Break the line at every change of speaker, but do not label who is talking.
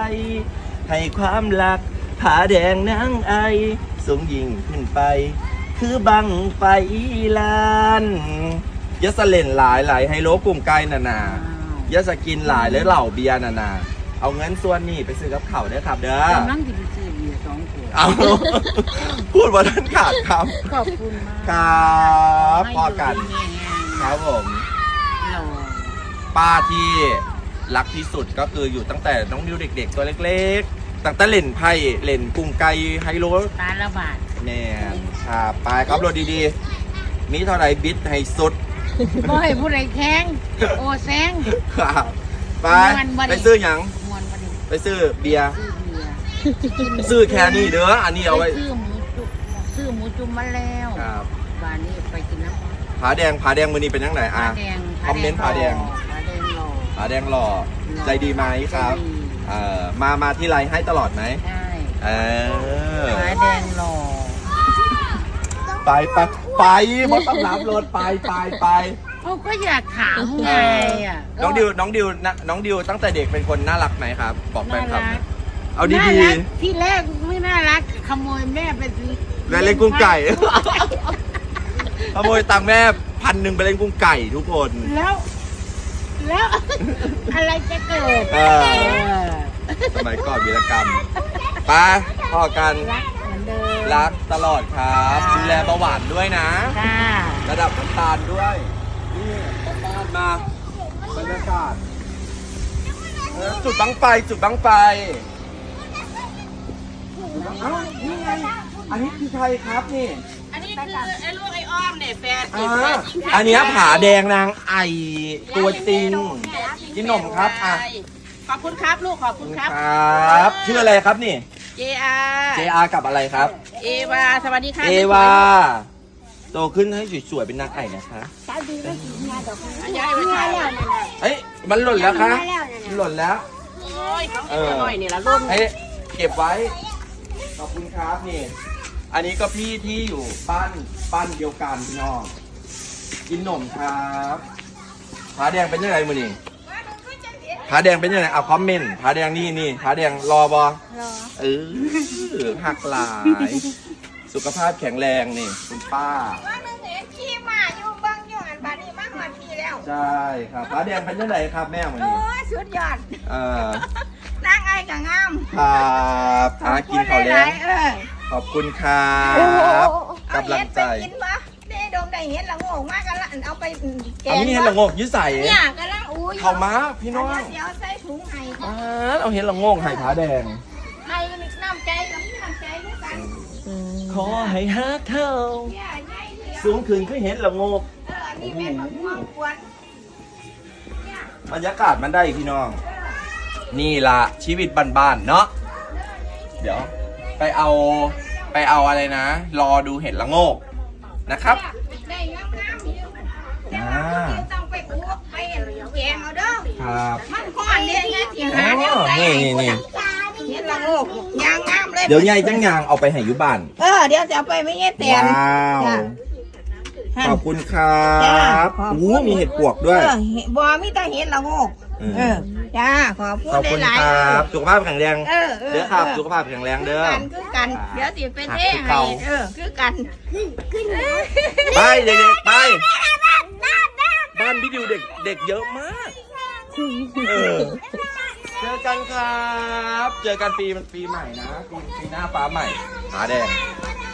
ให้ความรักผาแดงนางไอสูงยิ่งขึ้นไป คือบังไฟลานยะสะเล่นหลายไฮโลกลุ่มไก่นายะสกินหลายและเหล่าเบียร์นาเอาเงินส่วนนี้ไปซื้อกับเขาเด้อครับเด้อก
ำลังจะไปซื้อเบียร์2 ขวด
เอา พูดว่าท่านขาดครับ
ขอบคุณมาก
ครับพอกัน ครับผม
เรา
ป้าที่รักที่สุดก็คืออยู่ตั้งแต่น้องนิวเด็กๆตัวเล็กๆตั้งแต่เล่นไพ่เล่นกุ้งไก่ไฮโล
ตาละบาท
แน่ครับไปครับรถดีๆมีเท่าไรบิดให้สุด
บ่ให้ผู้ใดแข้งโอ้แซง
ครับไป
ม่วนบ่ได้
ไปซื้อหยัง
มวนมาดิ
ไปซื้อเบียร์
ซื้อเบียร์
ซื้อแค่นี้เด้ออันนี้เอาไว้
ซื้อหมูจุ่มมาแล้ว
ครับ
บ้านนี้ไปกินน้ำ
ผาแดงมือนี้เป็นยังไง
ผา
อ่ะ
แดง
คอมเมนต์ผาแดง
ผาแดงหล่อ
ผาแดงหล่อใจดีไหมครับ
ใจดี
มาที่ไรให้ตลอดไหม
ใช่
เออ
ผาแดงหล่อ
ไปบนต้องรับรถไป
เขาก็อยากถามไงอ่ะ
น้องดิวตั้งแต่เด็กเป็นคนน่ารักไหมครับ บอกแฟนคลับหน่อยเอา
น่า
ดี
รักที่แรกไม่น่ารักขโมยแม่ไปซื้อ
ๆเล่นกุ้งไก่ ขโมยตังค์แม่1,000ไปเล่นกุ้งไก่ทุกคน
แล้ว อะไรจะเกิด
เออ สมัยก่อนวีรกรรมไปพอกัน
รักเหมือนเดิม
รักตลอดครับดูแลเบาหวานด้วยนะ
ค่ะ
ระดับน้ำตาลด้วยนี่บ้านมาบรรยากาศจุดบังไฟเอ้านี่ไงอันนี้คือใครครับนี่
อันนี้คือไอ้ลูกไอ้อ้อมเนี่ยแฟน
อันนี้ผาแดงนางไอตัวจริงกินนมครับอ่ะ
ขอบคุณครับลูกขอบคุณครับ
ครับชื่ออะไรครับนี่
JR
JR กับอะไรครับ
เอวาสวัสดีค่ะ
เอวาโตขึ้นให้สวยๆเป็นนางไก่นะคะ
ย้ายไปถ่ายแล้ว
เอ้ยมันหล่นแล้วคะมันหล่นแล้ว
โอ้ยของเอ็หน่อยนี่ละรุ่น
ให้เก็บไว้ ขอบคุณครับนี่ อันนี้ก็พี่ที่อยู่บ้านเดียวกันพี่น้อง กินนมครับผาแดงเป็นยังไงมือนี่ผาแดงเป็นยังไงเอาคอมเมนต์ผาแดงนี่ผาแดงรอบอเออหักหลาย สุขภาพแข็งแรงนี่คุณป้า
ว่าหนึ่งเห็นขี้หมาอยู่เบิ้งอยู่อันบานี้มากกว่าทีแล้ว
ใช่ครับผาแดงเป็นยังไงครับแม่มือ
โอ้
นี่
ยสุดยอด
เออ
นั่งไอ้กับงาม
ครับหากินข้าวแล้
ห
ง
ยๆ
ขอบคุณครับกำลังใจ
เอาเห็ดไปกินปะได้ดมได้เห็ดละโงกมากกันละอันเอาไปแก
เอา
ง
นี่เห็นละโงกยืดใส่
เนี่ยกันละอู้ย
เข้ามาพี่น้อง
เดี๋ยวใส่ถุงให้
เอาเห็นละโงกไห่ผาแดง
ให้น้ำใจกับน้ำใจด้วยกัน
ขอให้ฮักเธอ
เนี่ยใหญ่เดียว
สูงขึ้นคือเห็นละโงก
นี่เป็นมะม่วงกวน
บรรยากาศมันได้พี่น้อง นี่ล่ะชีวิตบ้านๆเนาะเดี๋ยวไปเอาอะไรนะ รอดูเห็ดละโงกนะครับ
ได้งามๆอยู่เดี๋ยวต้องไปคั่วไปแกงเอาเด้อ
ครับ
มันก้อนเดียวเนี่ยที่หา
อ๋
เดี๋ยว
อ
ใส่
นี่
เห็ดละโงกยางงามเลย
เดี๋ยวใหญ่จังยางเอาไปให้อยู่บ้าน
เดี๋ยวจะเอาไปไม่เงี้ยแตน
ว้าว
จ้ะ
ขอบคุณครับ
จ้าขอบคุณ
โอ้มีเห็ดปวกด้วย
บ่มีแต่เห็ดละโงกจ้าขอบคุณ
ขอบคุณ
หลาย
ค
ๆ
รับสุขภาพแข็งแรง
เ
เด้อครับสุขภาพแข็งแรงเด้อ
คือกันเดี๋ยวสิเป็นเท่
คือ
ให้
เก่า
คือกัน
ไปเด็กๆไปบ้านพี่ดิวเด็กเยอะมากเจอกันครับ เจอกันปีใหม่นะปีหน้าฟ้าใหม่ผาแดง